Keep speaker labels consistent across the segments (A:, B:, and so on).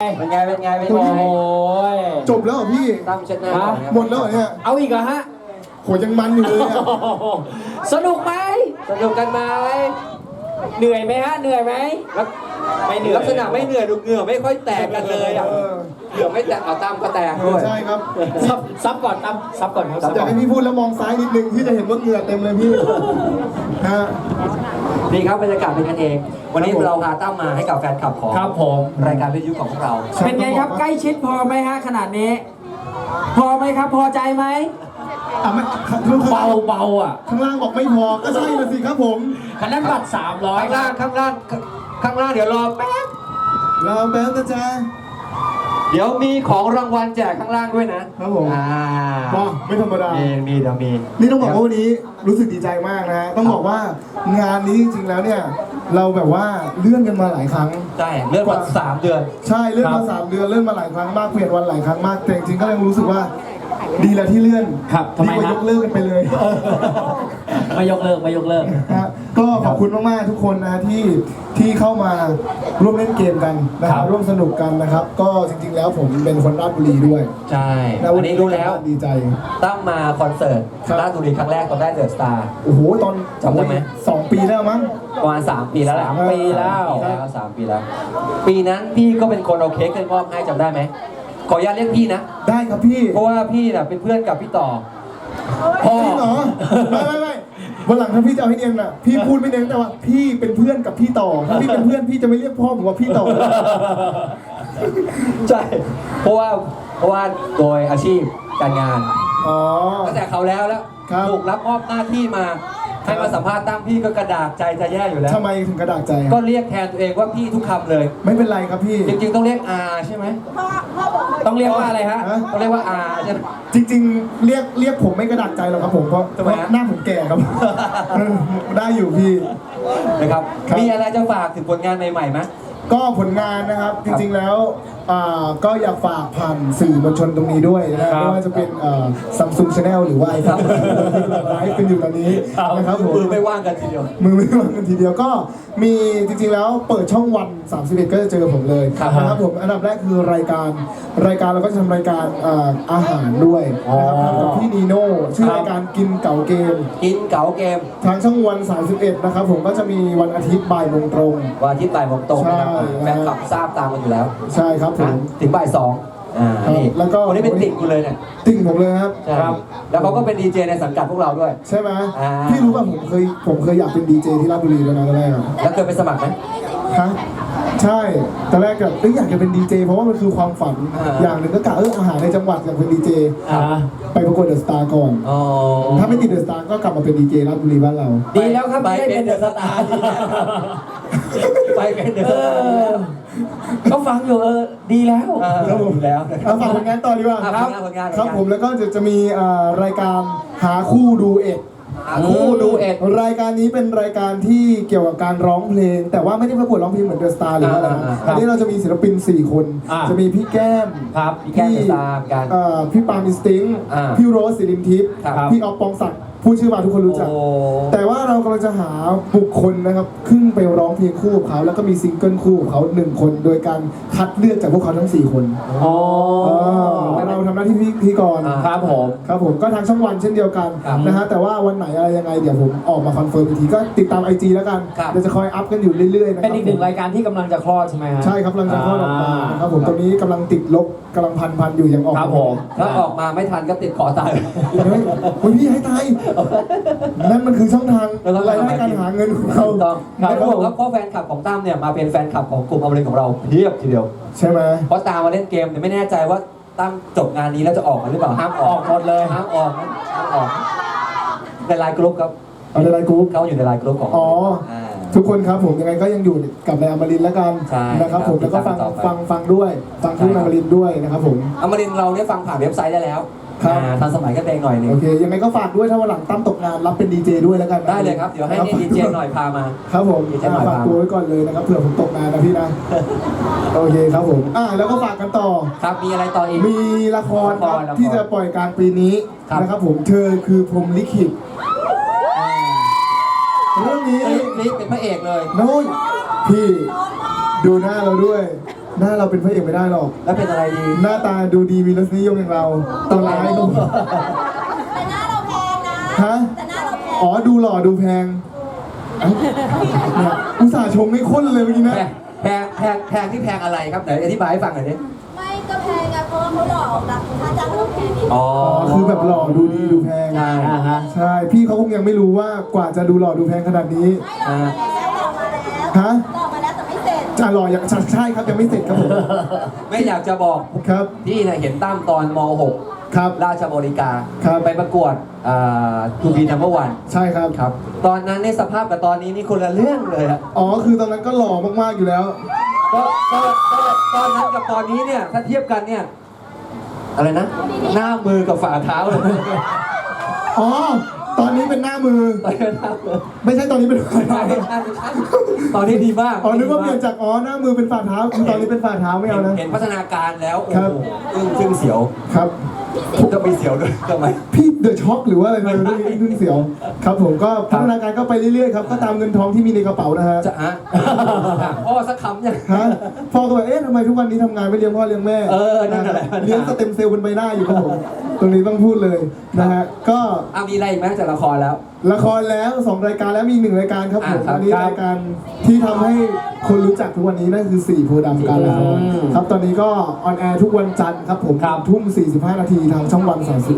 A: เป็นไง
B: โอ้ย
C: จบแล้วเหรอพี่
A: ตั้มเช็ดหน้าก่อนนะ
C: หมดแล้วเหรอเนี่ย
B: เอาอีกเหรอฮะ
C: โหยังมันอยู่เลยอะ
B: สนุกไหม
A: สนุกกันไหม
B: เหนื่อยไหมฮะเหนื่อยไหมไม่เหนื่อย
A: ลักษณะไม่เหนื่อยดูเหงื่อไม่ค่อยแตกกันเลยอ่ะเหงื่อไม่แตกเอาตั้มก็แตกด้วย
C: ใช่ครับ
B: ซับก่อนตั้มซับก่อนครับ
C: อยากให้พี่พูดแล้วมองซ้ายนิดนึงพี่จะเห็นว่าเหงื่อเต็มเลยพี่ฮะ
A: ดีครับบรรยากาศเป็นกันเอง วันนี้เราพาตั้มมาให้กับแฟนคลับของ
B: ครับผม
A: รายการวิทยุของพวกเรา
B: เป็นไงครับใกล้ชิดพอไหมฮะขนาดนี้ พอไหมครับพอใจไหม
C: ไม่
B: เบาอ่ะ
C: ข้างล่างบอกไม่พอก็ใช่ละสิครับผม
B: คันนั้นบัตร300
A: ข้างล่างเดี๋ยวรอแป๊บ
C: เราแป๊บนะจ๊ะ
A: เดี๋ยวมีของรางวัลแจกข้างล่างด้วยนะครับ
C: ผม
A: ว้า
C: ไม่ธรรมดา
A: มีเดี๋ยวมี
C: นี่ต้องบอกว่าวันนี้รู้สึกดีใจมากนะฮะต้องบอกว่างานนี้จริงๆแล้วเนี่ยเราแบบว่าเลื่อนกันมาหลายครั้ง
A: ใช่เลื่อนมา3 เดือน
C: ใช่เลื่อนมา3 เดือนเลื่อนมาหลายครั้งมากเปลี่ยนวันหลายครั้งมากแต่จริงๆก็ยังรู้สึกว่าดีแล้วที่เลื่อน
B: ครับทำไม
C: ดีกว่ายกเลิกกันไปเลย
B: ไม่ยกเลิก
C: นะฮะก็ขอบคุณมากๆทุกคนนะที่เข้ามาร่วมเล่นเกมกันนะครับร่วมสนุกกันนะครับ ก็จริงๆแล้วผมเป็นคนราชบุรีด้วย
A: ใช่
C: แล้ว
A: วันนี้รู้แล้ว
C: ดีใจ
A: ตั้มมาคอนเสิร์ต
C: ครับ
A: ราชบุรีครั้งแรกตอนได้เดอะสตาร์
C: โอ้โหตอน
A: จำได้ไหม
C: 2 ปีแล้วมั้ง
A: ประมาณ3 ปีแล้วแหละ
B: 3 ปีแล้ว
A: 3 ปีแล้ว ปีนั้นพี่ก็เป็นคนเอาเค้กขึ้นมอบให้จำได้ไหมขออนุญาตเรียกพี่นะ
C: ได้ครับพี่
A: เพราะว่าพี่น่ะเป็นเพื่อนกับพี่ต่อพ่อ
C: จริงเหรอไม่วันหลังถ้าพี่จะเอาให้เนียนน่ะพี่พูดไม่เนียนแต่ว่าพี่เป็นเพื่อนกับพี่ต่อถ้าพี่เป็นเพื่อนพี่จะไม่เรียกพ่อผมว่าพี่ต่อ
A: ใช่เพราะว่าโดยอาชีพการงาน
C: อ๋อ
A: ตั้งแต่เขาแล้ว
C: ครับ
A: ถูกรับมอบหน้าที่มาให้มาสัมภาษณ์ตั้มพี่ก็กระดากใจจะแย่อยู่แล้ว
C: ทำไมถึงกระดาษใจ
A: ก็เรียกแทนตัวเองว่าพี่ทุกคำเลย
C: ไม่เป็นไรครับพี่
A: จริงๆต้องเรียกอาใช่ไหม
B: ต้องเรียกว่าอะไรฮะ
A: ต้องเรียกว่าอาใช่ไหม
C: จริงๆเรียกผมไม่กระดาษใจหรอกครับผมเพราะ
A: ทำไมฮะ
C: หน้าผมแก่ครับ ได้อยู่พี่
A: นะครับ
C: ครับ
A: มีอะไรจะฝากถึงผลงานใหม่ๆไหม
C: ก็ผลงานนะครับจริงๆแล้วก็อยากฝากผ่านสื่อมวลชนตรงนี้ด้วยนะไม่ว่าจะเป็นSamsung Channel หรือว่าไอ้ครับไลฟ์เป็นอยู่ตอนนี้นะครับผม
A: มือไม่ว่างกันทีเดียว
C: มือไม่ว่างกันทีเดียวก็มีจริงๆแล้วเปิดช่องวัน31ก็จะเจอผมเลย
A: ครับ
C: นะครับผมอันดับแรกคือรายการเราก็จะทำรายการอาหารด้วยนะครับทำกับพี่นีโน่ชื่อรายการกินเก๋าเกม
A: กินเก๋าเกม
C: ทางช่องวัน31นะครับผมก็จะมีวันอาทิตย์บ่ายโมงตรง
A: วันอาทิตย์บ่ายโมงตรงนะครับ
C: ใช่
A: แฟนคลับทราบตามกันอยู่แล้ว
C: ใช่ครับผม
A: ถึงบ่าย2นี่
C: แล้วก็
A: วันนี้เป็นติ่งกูเลยเนี่ย
C: ติ่งผมเลยครับ
A: ใช่ครับแล้วเขาก็เป็นดีเจในสังกัดพวกเราด้วย
C: ใช่ไหม
A: อ่า
C: พี่รู้ป่ะผมเคยอยากเป็นดีเจที่ราชบุรีด้วยนะตอนแรกอะ
A: แล้วเคยไปสมัครไหม
C: ฮะใช่ตอนแรกแบบอยากจะเป็นดีเจเพราะว่ามันคือความฝัน อย่างหนึ่งก็กะอาหารในจังหวัดอยากเป็นดีเจไปประกวดเดอะสตาร์ก่อน
A: อ๋อ
C: ถ้าไม่ติดเดอะสตาร์ก็กลับมาเป็นดีเจราชบุรีบ้านเรา
B: ดีแล้วครับ
A: ไป
B: ไม่ได้
A: เป็นเดอะสตาร์ไปเป็นเดอะสตาร์
B: ก็ฟังอยู่ดีแล้ว
A: ครับผมแล้วนะครั
C: เอา
A: บ
C: ฝากผลงานต่อดีกว่า
A: ผลงาน
C: ครับผมแล้วก็จะมีรายการหาคู่ดูเอ็ด
A: คู่ดูเอ็ด
C: รายการนี้เป็นรายการที่เกี่ยวกับการร้องเพลง แต่ว่าไม่ได้ประกวดร้องเพลงเหมือนเดอะสตาร์หรือว่าอะไรนะอันนี้เราจะมีศิลปิน4 คน จะมีพี่แก้ม
A: ครับพี่แก้มจะตามกัน
C: พี่ปาล์มอินสติ้ง พี่โรสศิรินทิพย์
A: ครับ
C: พี่ออฟปองศักดิ์พูดชื่อมาทุกคนรู้จัก
A: โอ้
C: แต่ว่าเรากำลังจะหาบุคคลนะครับขึ้นไปร้องเพลงคู่กับเขาแล้วก็มีซิงเกิลคู่กับเขา1 คนโดยการคัดเลือกจากพวกเขาทั้ง4 คน
B: อ๋อ
C: เราทำหน้าที่พิธีกร
B: ครับผม
C: ครับผมก็ทางช่องวันเช่นเดียวกัน
A: ครับ
C: นะฮะแต่ว่าวันไหนอะไรยังไงเดี๋ยวผมออกมาคอนเฟิร์มอีกทีก็ติดตาม IG แล้วกัน
A: ครับ
C: เดี๋ยวจะคอยอัพกันอยู่เรื่อยๆนะค
B: เป็
C: รั
B: นอีกหนึ่งรายการที่กำลังจะคลอดใช่ไหมฮะ
C: ใช่ครับกำลังจะคลอดออกมานะครับผมตรงนี้กำลังติดลบกำลังพันอยู่ยังออก
B: ครับผม
A: ถ้าออกมาไม่ทันก็ติดขอตาย
C: เฮ้ยพี่ให้ตายนั่นมันคือช่องทางรายได้การหาเงินของเรา
A: ถูกต้องครับผมครับเพราะแฟนคลับของตั้มเนี่ยมาเป็นแฟนคลับของกลุ่มอมรินทร์ของเราเพียบทีเดียว
C: ใช่ไหม
A: เพราะตามมาเล่นเกมเนี่ยไม่แน่ใจว่าตั้มจบงานนี้แล้วจะออกมาหรือเปล่าห้ามออก
B: หมดเลย
A: ห้ามออกนะห้ามออกในไลน์กรุ๊ปครับ
C: เอาในไลน์กรุ๊ป
A: เขาอยู่ในไลน์กรุ๊ปของ
C: อ๋อ
A: า
C: ทุกคนครับผมยังไงก็ยังอยู่กับในอมรินทร์แล้วกัน
A: ใช่
C: นะครับผม
A: ครับ
C: แล้วก็ฟัง
A: ติดตามต่อไป
C: ฟังด้วยฟังทุก
A: ใช่
C: อ
A: ครับ
C: มรินทร์ด้วยนะครับผม
A: อมรินทร์เราเนี่ยฟังผ่านเว็บไซต์ได้แล้ว
C: ครับ
A: ทันสมัยกันเองหน่อยหนึง
C: โอเคยังไงก็ฝากด้วยถ้าวันหลังตั้มตกงานรับเป็นดีเจด้วยแล้วกันนะ
A: ได้เลยครับเดี๋ยวให้นี่ดีเจหน่อยพามา
C: ครับผม
A: ดีเจหน่อย
C: ฝากตัวไว้ก่อนเลยนะครับเผื่อผมตกงานนะพี่นะโอเคครับผมแล้วก็ฝากกันต่อ
A: ครับมีอะไรต่ออีก
C: มีละครครับ
A: ละคร
C: ที่จะปล่อยกลางปีนี้
A: ครับ
C: นะครับผมเธอคือพรหมลิขิตเรื่องนี้
A: นี่เป็นพระเอกเลย
C: โน้ยพี่ดูหน้าเราด้วยหน้าเราเป็นพระเอกไม่ได้หรอก
A: แล้วเป็นอะไรดี
C: หน้าตาดูดีมีรสนิยมอย่างเราตัวร้ายก็
D: แต่หน้าเราแพงนะ
C: ฮะ
D: แต่หน้าเราแพง
C: อ๋อดูหล่อดูแพงเอ้าเนี่ยอุตส่าห์ชมไม่ข้นเลยเมื่อกี้นะ
A: แพงที่แพงอะไรครับไหนอธิบายให้ฟังหน่อยดิ
D: ไม่ก็แพงไงเพราะว่าเขาหลอกรับค่าจ้างเราแพงนิด
A: อ๋อ
C: อ๋อคือแบบหล่อดูดีดูแพง
A: ใช่
C: ใช่พี่เขาคงยังไม่รู้ว่ากว่าจะดูหล่อดูแพงขนาดนี้
D: ไม่หลอกมาแล้วหลอกมาแล้ว
C: ฮะ
D: หลอกมาแล้วแต่ไม่เสร็จ
C: จะหล่ออย่างใช่ครับยังไม่เสร็จครับผม
A: ไม่อยากจะบอก
C: ครับ
A: พี่เนี่ยเห็นตั้มตอนม .6
C: ครับ
A: ราชบริการ
C: ครับ
A: ไปประกวดทูบีนัมเบอร์วัน
C: ใช่ครับ
A: ครับ ตอนนั้นในยสภาพกับตอนนี้นี่คนละเรื่องเลยอะ
C: อ๋อคือตอนนั้นก็หล่อมากๆอยู่แล้ว
A: ก็ตอนนั้นกับตอนนี้เนี่ยถ้าเทียบกันเนี่ยอะไรนะ หน้ามือกับฝ่าเท้าเลย
C: อ๋อตอนนี้เป็นหน้ามือ
A: ตอนนี้หน้ามือ
C: ไม่ใช่ตอนนี้เป็นฝ่า
A: ใช่
C: เท้า
A: ใช่ใช่ตอนนี้ดีมาก
C: อ๋อนึกว่าเปลี่ยนจากอ๋อหน้ามือเป็นฝ่าเท้าคือตอนนี้เป็นฝ่าเท้าไม่เอานะ
A: เห็นพัฒนาการแล้วโอ้
C: ครั
A: โห
C: บ
A: อึ้งเสียว
C: ครับ
A: ก็มีเสียวด้วยทำไม
C: พี่เดอะช็อคหรือว่าอะไรไม่รู้
A: ไม่ใช่
C: เรื่องเสียว ครับผมก็พัฒนาการก็ไปเรื่อยๆครับก็ตามเงินทองที่มีในกระเป๋านะฮะ
A: จะฮะพ่อสักคำยัง
C: ฮะพ่อก็แบบเอ๊ะทำไมทุกวันนี้ทำงานไม่เลี้ยงพ่อเลี้ยงแม่
A: เออนั่นแหละ
C: เลี้ยงสเต็มเซลล์บนใบหน้าอยู่ครับผมตรงนี้ต้องพูดเลยนะฮะก็
A: มีอะไรอีกไหมจากละครแล้ว
C: ละครแล้ว2รายการแล้วมีอีก1รายการครับผม
A: ครับ
C: อันนี้รายการที่ทำให้คนรู้จักทุกวันนี้นั่นคือ4โพธิ์ดำการละครครับตอนนี้ก็ออนแอร์ทุกวันจันทร์ครับผมทุ่ม45 นาทีทางช่องวัน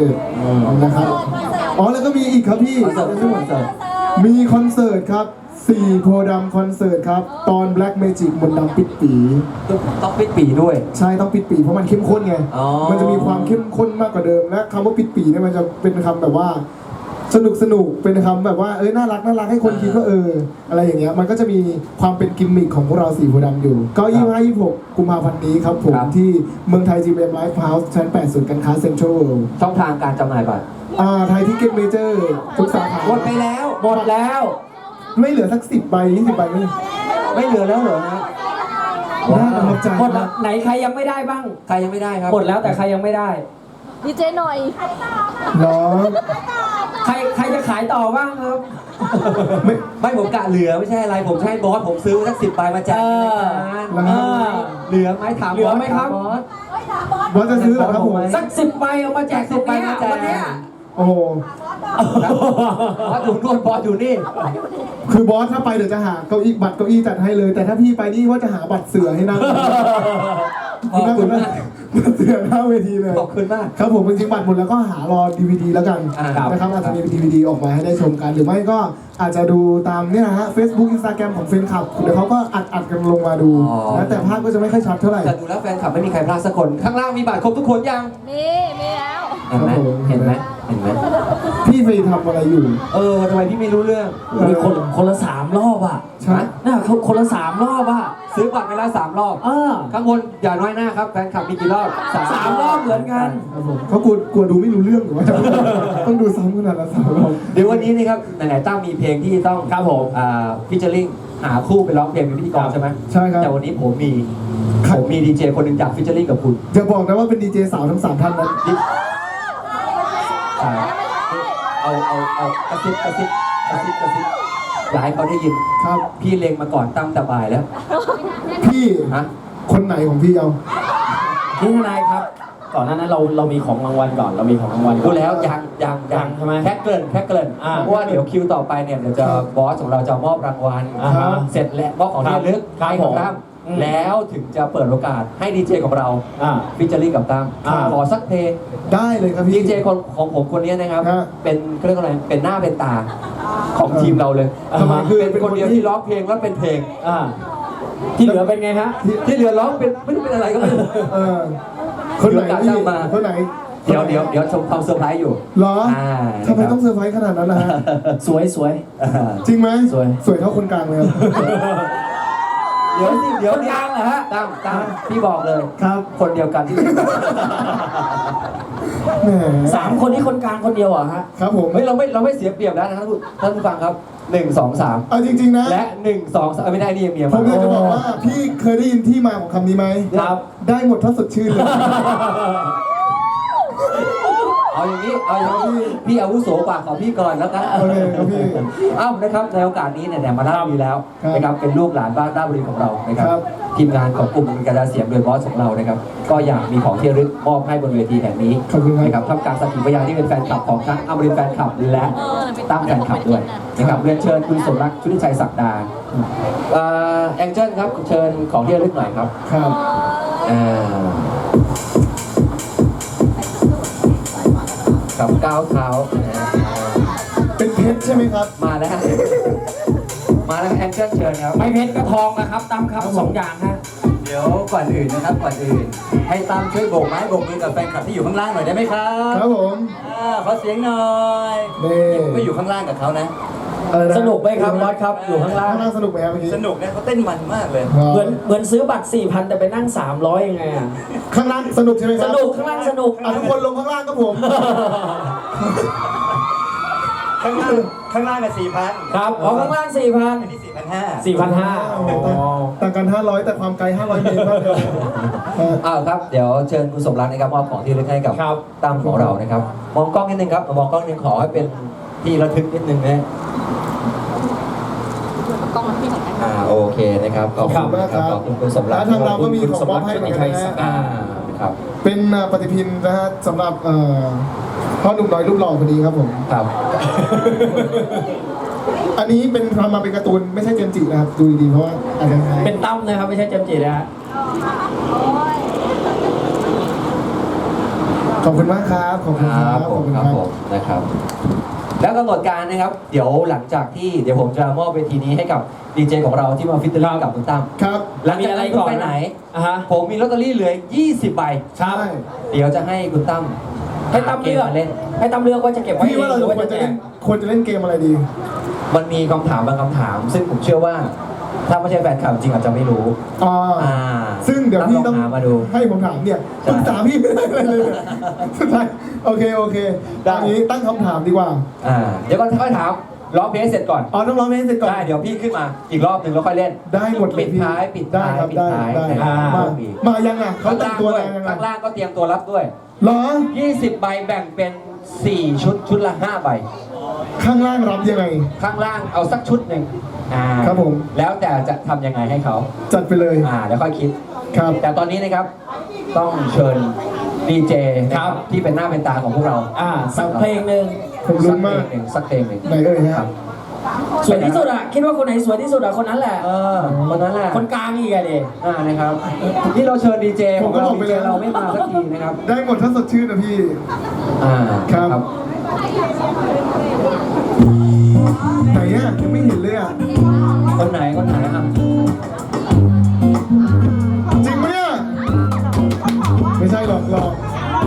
C: 31นะครับอ๋อแล้วก็มีอีกครับพี่
A: คอนเสิร์ตคอนเสิร์ต
C: มีคอนเสิร์ตครับ4โพธิ์ดำคอนเสิร์ตครับตอน Black Magic มนต์ดำปิดปี
A: ต้องปิดปีด้วย
C: ใช่ต้องปิดปีเพราะมันเข้มข้นไง
A: อ๋อ
C: มันจะมีความเข้มข้นมากกว่าเดิมและคำว่าปิดปีเนี่ยมันจะเป็นคำแบบว่าสนุกเป็นคำแบบว่าน่ารักให้คนคิดว่าอะไรอย่างเงี้ยมันก็จะมีความเป็นกิมมิคของพวกเรา4โพธิ์ดำอยู่ ก็25-26 กุมภาพันธ์นี้ครับผมที่เมืองไทย GMM Live House ชั้น 8 ศูนย์การค้าเซ็นทรัลเวิลด์
A: ช่องทางการจำหน่ายบัตร
C: ไทยทิเก็ตเมเจอร์ทุกสาขา
A: หมดไปแล้ว หมดแล้ว
C: ไม่เหลือสัก10 ใบ 20 ใบไม่
A: ไม่เหลือแล้วเหรอฮะ
C: น่าประทับใจ
B: หมดแล้วไหนใครยังไม่ได้บ้าง
A: ใครยังไม่ได้ครับ
B: หมดแล้วแต่ใครยังไม่ได้
D: ดีเจหน่อย
C: เหรอ
B: ใครจะขายต่อบ้างครับ
A: ไม่ผมกะเหลือไม่ใช่อะไรผมจะให้บอสผมซื้อสัก10 ใบมาแจกในรายการ
C: แล้วครับ
A: เหลือไหมถาม
B: เหลือไหมครับ
A: บอส
D: เฮ้ยถามบอส
C: บอสจะซื้อเหรอครับผม
B: สัก10 ใบเอามาแจกตรงเนี้ย
A: 10 ใบมาแจก
B: วันเนี้ย
C: โอ้โห
A: บอสอยู่นู่นบอสอยู่นี่
C: คือบอสถ้าไปเดี๋ยวจะหาเก้าอี้บัตรเก้าอี้จัดให้เลย แต่ถ้าพี่ไปนี่ว่าจะหาบัตรเสือให้นั่ง
A: ขอบคุณมาก
C: บัตรเสือหน้าเวทีเลย
A: ขอบคุณมาก
C: ครับผมจริงๆบัตรหมดแล้วก็หารอ DVD แล้วกัน
A: ครับ
C: นะครับอาจจะมี DVD ออกมาให้ได้ชมกัน หรือไม่ก็อาจจะดูตามเนี่ยนะฮะ Facebook Instagram ของแฟนคลับเดี๋ยวเขาก็อัดกันลงมาดูนะแต่ภาพก็จะไม่ค่อยชัดเท่าไหร่
A: แต่ดูแล้วแฟนคลับไม่มีใครพลาดสักคน ข้างล่างมีบัตรครบทุกคนยัง
D: มีแล้ว
A: เห็นไหม
C: ครับผม
A: เห็นไหมเห็นไหม
C: พี่ไปทำอะไรอยู่
A: ทำไมพี่ไม่รู้เรื่อง
B: มีคนละ3 รอบอ่ะ
C: ใช่
B: น่าคนละ3 รอบอ่ะ
A: ซื้อบัตรไปแล้ว3 รอบ ข้างบนอย่าน้อยหน้าครับแฟนคลับมีกี่รอบ
B: 3 รอบเหมือนกัน
C: ครับผมเขากลัวดูไม่รู้เรื่องหรือว่า ต้องดูซ้ำขนาดละ3 รอบ
A: เดี๋ยววันนี้นี่ครับไหนๆตั้งมีเพลงที่ต้อง
B: ครับผม
A: ฟิชเชอร์ลิงหาคู่ไปร้องเพลงเป็นพิธีกรใช่ไหม
C: ใช่ครับ
A: แต่วันนี้ผมมี
C: ครับ
A: ดีเจคนหนึ่งอยากฟิชเชอร์ลิงกับคุณ
C: อย่าบอกนะว่าเป็นดีเจสาวทั้ง3ท่านนั้น
A: เอากระซิบอยากให้เขาได้ยิน
C: ครับ
A: พี่เล็งมาก่อนตั้งแต่บ่ายแล้ว
C: พี่
A: ฮะ
C: คนไหนของพี่เอา
B: พี่ทนายครับ ก่อนหน้านั้นเรามีของรางวัลก่อน เรามีของรางวัลก่
A: ดู
B: อน
A: แล้วยัง
B: ใช่ไหม
A: แค่เกริ่น เพราะว่าเดี๋ยวคิวต่อไปเนี่ยเดี๋ยวจะบอสของเราจะมอบรางวัล
B: อ่าฮะ
A: เสร็จแล้วมอบของที่ระลึก
B: ครับ
A: ให้ของตั้ม
B: อืม
A: แล้วถึงจะเปิดโอกาสให้ดีเจของเรา
B: อ่า
A: ฟิชเชอร์ลิงกับตั้ม
B: อ่า
A: ขอสักเพลง
C: ได้เลยครับ
A: ดี
C: พี่
A: เจของผมคนนี้นะครับ
C: ฮะ
A: เป็นเขาเรียกว่าอะไรเป็นหน้าเป็นตาของทีมเราเลย
C: ทำไมคือ
A: เป็นคนเดียวที่ร้องเพลงแล้วเป็นเพลง
B: อ่าที่เหลือเป็นไงฮะ
A: ที่เหลือร้องเป็นไม่รู้เป็นอะไรก็ไม่รู้
C: เออคนไหน
A: เดี๋ยวกะ
C: พี่
A: ตั้งมา
C: คนไหน
A: เดี๋ยวชมความเซอร์ไพรส์อยู่
C: เหรอ
A: นะครับ
C: ทำไมต้องเซอร์ไพรส์ขนาดนั้นนะฮะ
B: สวย
C: จริงไหม
B: สวย
C: สวยเท่าคนกลางเลยครับ
A: เดี๋ยวสิเดี๋ยว
B: คนกลางเหรอฮะ
A: ตั้มพี่บอกเลย
C: ครับ
A: คนเดียวกันที่
C: แหม
B: 3 คนนี้คนกลางคนเดียวเหรอฮะ
C: ครับผม
A: เฮ้ยเราไม่เสียเปรียบแล้วนะท่านผู้ฟังครับ1 2 3
C: เอาจริงๆนะ
A: และ1 2 3ไม่ได้นี่เมีย
C: ผม
A: มา
C: อยากจะบอกว่าพี่เคยได้ยินที่มาของคำนี้ไหม
B: ครับ
C: ได้หมดถ้าสดชื่นเลย
A: เอาอย่างนี้พี่อาวุโสกว่าขอพี่ก่อนแล้วกัน
C: โอเคครับพี่
A: เอ้านะครับในโอกาสนี้เนี่ยมาล่าบุรีแล้ว
C: ครับ
A: นะครับเป็นลูกหลานบ้านราชบุรีของเรานะครับ
C: ครับ
A: ทีมงานของกลุ่มกระดาเสียงโดยบอสของเรานะครับก็อยากมีของที่ระลึกมอบให้บนเวทีแห่งนี้
C: ขอบคุณครับ
A: นะครับท่ามกลางสักขีพยานที่เป็นแฟนคลับของทั้งอมรินทร์แฟนคลับและตั้มแฟนคลับด้วยนะครับเรียนเชิญคุณสมรักชุติชัยศักดาแองเจิลครับเชิญของที่ระลึกหน่อยครับ
C: ครับ
A: กับก้าวเท้านะฮะ
C: เป็นเพชรใช่ไหมครับ
A: มาแล้วฮะมาแล้วแองเจิลเชิญครับ
B: ไม่เพชรก็ทองนะครับตั้มครับสองอย่างฮะ
A: เดี๋ยวก่อนอื่นนะครับก่อนอื่นให้ตั้มช่วยโบกไม้โบกมือกับแฟนคลับที่อยู่ข้างล่างหน่อยได้ไหมครับ
C: ครับผม
A: ขอเสียงหน่อย
C: นี่
A: ไม่อยู่ข้างล่างกับเขานะ
C: อะไระ
B: สนุกไหมครับบอสครับอยู่ข้างล่าง
C: ข้างล่างสนุกไหมครับเมื่อกี้
A: สนุกนะเขาเต้นมันมากเลย
B: เหมือนซื้อบัตร 4,000 แต่ไปนั่ง 300 ยังไงอ่ะ
C: ข้างล่างสนุกใช่ไหมค
B: ส
C: รับ
B: นุกข้างล่างสนุก
C: ทุกคนลงข้างล่างครับผม
A: ข้างล่างกับ4,000
B: ครับอ๋อข้างล่าง
A: อันนี้
B: 4,000 4,500อ๋อ
C: ต่างกัน 500 แต่ความไกล 500 เมตรมากเลยครับ
A: อ้าวครับเดี๋ยวเชิญคุณสมรักนะครับมอบของที่ระลึกให้กับ
B: ครับ
A: ตั้มของเรานะครับมองกล้องนิดนึงครับมองกล้องนิดนึงขอให้เป็นที่ระทึกนิดนึงนะโอเคนะครับขอบคุณ
C: มากครับ
A: ขอบคุณคุณสมรัก
C: และทางเราก็มีของมอบให้เหมือนกันนะฮะ
A: ครับ
C: เป็นปฏิทินนะฮะสำหรับพ่อหนุ่มน้อยรูปหล่อคนนี้ครับผม
A: ครับ
C: อันนี้เป็นทำมาเป็นการ์ตูนไม่ใช่เจมส์จินะครับดูดีๆเพราะว่าอาจจะ
B: เป็นตั้มนะครับไม่ใช่เจมส์จินะฮะ
C: ขอบคุณมากครับขอบคุณครับขอบคุณครับ
A: ผมนะครับ แล้วกำหนดการนะครับ เดี๋ยวหลังจากที่เดี๋ยวผมจะมอบเวทีนี้ให้กับดีเจของเราที่มาฟิตเตอร์กับคุณตั้ม
C: ครับ
A: หลังจากนั้นคุณไปไหน
B: อ่ะฮะ
A: ผมมีลอตเตอรี่เหลือ 20 ใบ
B: ครับ
C: ใช่
A: เดี๋ยวจะให้คุณตั้ม
B: ให้ตั้มเลือก
A: มาเล่น
B: ให้ตั้มเลือกว่าจะเก็บไว้
C: พี่
B: เอง
C: ว่าเรา
B: หรือว่า
C: ควร
B: จะ
C: จะ
B: แจ
C: เล่
B: ก
C: นควรจะเล่นเกมอะไรดี
A: มันมีคำถามบางคำถาม ซึ่งผมเชื่อว่า ถ้าไม่ใช่แฟนคลับจริงอาจจะไม่รู้
C: อ่าซึ่งเดี๋ยวพี่ต้อง
A: ลหามาดู
C: ให้ผมถามเนี่ย
A: ใช่
C: ปรึกษาพี่ไม่ได้อะไรเลยสุดท้ายโอเค
A: ได้
C: อันนี้ตั้งคำถามดีกว่า
A: เดี๋ยวก่อนค่อยถามร้องเพลงให้เสร็จก่อน
C: ต้องร้องเพลงให้เสร็จก่อน
A: ได้เดี๋ยวพี่ขึ้นมาอีกรอบหนึ่งแล้วค่อยเล่น
C: ได้หมดเลย
A: ปิด
C: พี่
A: ท้ายปิด
C: ได้
A: ท้าย
C: ครับ
A: ปิด
C: ได้
A: ท้าย
C: ได้
A: นะครับ
C: มายังอ่ะเขา
A: ข้าง
C: แต่
A: ล่าง ง
C: ตัว
A: ด้วย
C: ยังไง
A: ข้างล่างก็เตรียมตัวรับด้วย
C: เหรอ
A: 20 ใบแบ่งเป็น 4 ชุดละ 5 ใบ
C: ข้างล่างรับยังไง
A: ข้างล่างเอาสักชุดหนึ่ง
C: ครับผม
A: แล้วแต่จะทำยังไงให้เขา
C: จัดไปเลย
A: แล้วค่อยคิด
C: ครับ
A: แต่ตอนนี้นะครับต้องเชิญดีเจนะครับที่เป็นหน้าเป็นตาของพวกเรา
B: สักเพลงหนึ่ง
C: ผมลุ้นมาก
A: สักเพลงหนึ่ง
C: ไหนเอ่ยฮะ
A: ครับ
B: สวยที่สุดอะคิดว่าคนไหนสวยที่สุดอะคนนั้นแหละ
A: คนนั้นแหละ
B: คนกลางอีกอะดิ
A: นะครับที่เราเชิญดีเจข
C: ผ
A: อ
C: ม
A: ง
C: ก็
A: เรา
C: บอกไป
A: ดีเจ
C: แล้ว
A: เราไม่มาสักทีนะครับ
C: ได้หมดถ้าสดชื่นนะพี่ ครับ ไหนอ่ะยังไม่เห็นเลยอ่ะ
A: คนไหนอ่ะ
C: จริงไหมเนี่ยไม่ใช่หรอกครับผม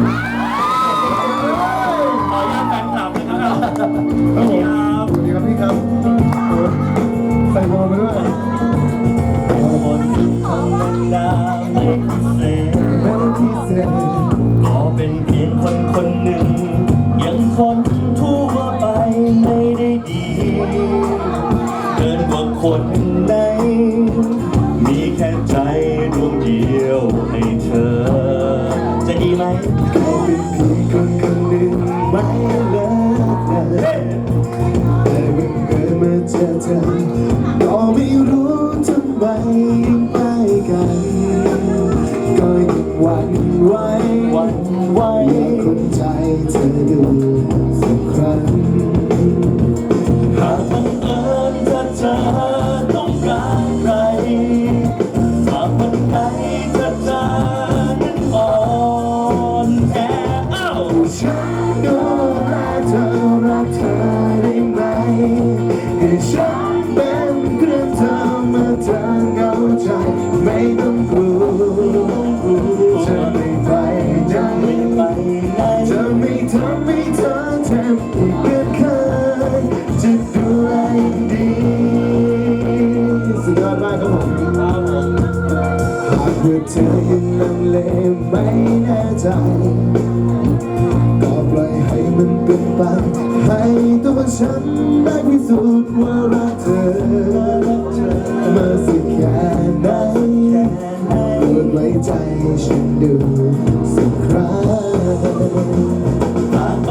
C: สวัสดีครับพี่ครับใส่วอลมาด้วย
E: คนธรรมดาไม่พิเศษ
C: ไม่ได้พิเศษ
E: ก็เป็นเพียงคนคนหนึ่งยังคนทั่วไปไม่ได้ดีเกินกว่าคนใดมีแค่ใจดวงเดียวให้เธอ จะดีไหม
C: แค่เป็นเพียงคนคนหนึ่งไม่เลิกกันแต่เมื่อเกิดมาเจอเธอก็ไม่รู้ทำไมยังใกล้กันก็ยังหวั่นไหว
E: วันไหว
C: อยากคนใจเธอดูสักครั้ง
E: หากบังเอิญถ้าเธอต้องการใครหากวันไหนถ้าเธอนั้นอ่อนแออ้าว
C: ฉันดูแลเธอรักเธอได้ไหมให้ฉันเป็นเพื่อนเธอเมื่อเธอเหงาใจไม่ต้องกลัวจะไม่ไปไหน
E: ไปไหน
C: จะไม่ทำให้เธอเจ็บอีกเหมือนเคยจะดูแลอย่างดีสุดยอดมากครับผมหากว่าเธอยังลังเลไม่แน่ใจก็ปล่อยให้มันเป็นไปให้ตัวฉันได้พิสูจน์ว่ารักเธอมาสักแค่ไหนโปรดไว้ใจฉันดูสักครั้ง
E: หาก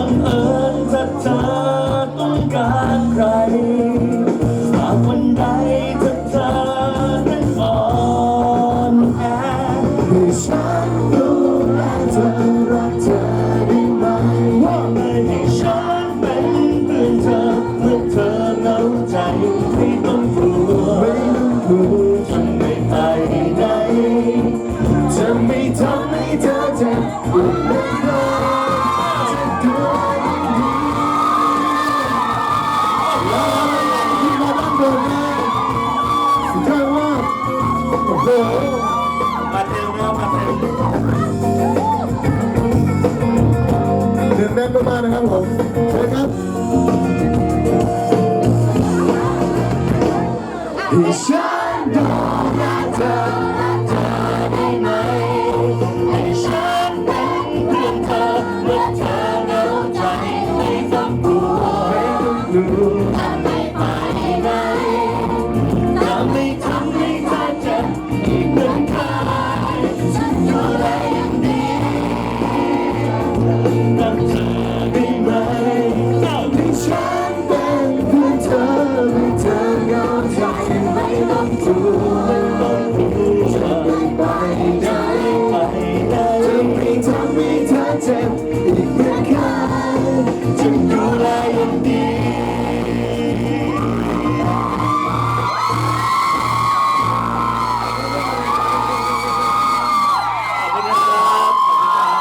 C: ไม่ทำให้เธอเจ็บปวดเล็กน้อยจะดูดีแล้วที่มาด้านบนนะสุดท้ายว่าโอ้โห
E: มาเต็มแล้วมาเต็ม
C: เดือดแน่นมากๆนะครับผม